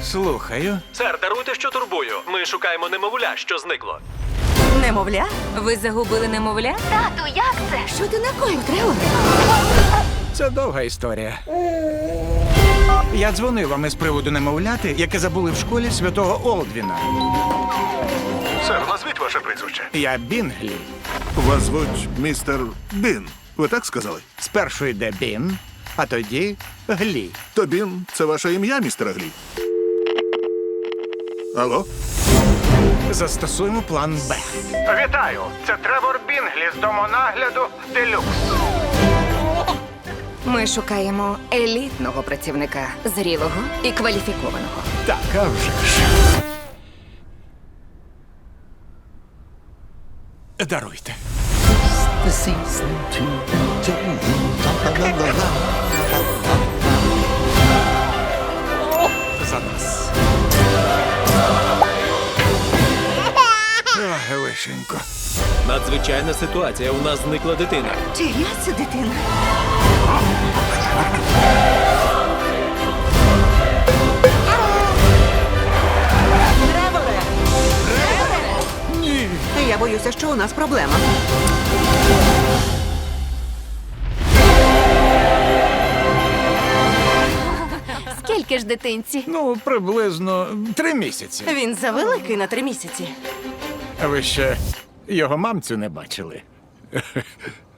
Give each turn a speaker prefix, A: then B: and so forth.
A: Слухаю.
B: Сер, даруйте, що турбую. Ми шукаємо немовля, що зникло.
C: Немовля?
D: Ви загубили немовля?
E: Тату, як це?
C: Що ти накоїв, Треворе?
A: Це довга історія. Я дзвонив вам із приводу немовляти, яке забули в школі святого Олдвіна.
F: Сер, назвіть ваше прізвище.
A: Я Бінглі.
F: Вас звуть містер Бін. Ви так сказали?
A: Спершу йде Бін, а тоді Глі.
F: То Бін – це ваше ім'я, містер Глі? Алло?
A: Застосуємо план Б. Вітаю! Це Тревор Бінглі з домонагляду Делюкс.
C: Ми шукаємо елітного працівника, зрілого і кваліфікованого.
A: Так, а вже ж. Даруйте. За нас. Ах, лишенько.
B: Надзвичайна ситуація. У нас зникла дитина.
C: Чия це дитина? Треворе!
A: Ні.
C: Я боюся, що у нас проблема.
E: Скільки ж дитинці?
A: Ну, приблизно 3 місяці.
C: Він завеликий на 3 місяці.
A: А ви ще його мамцю не бачили.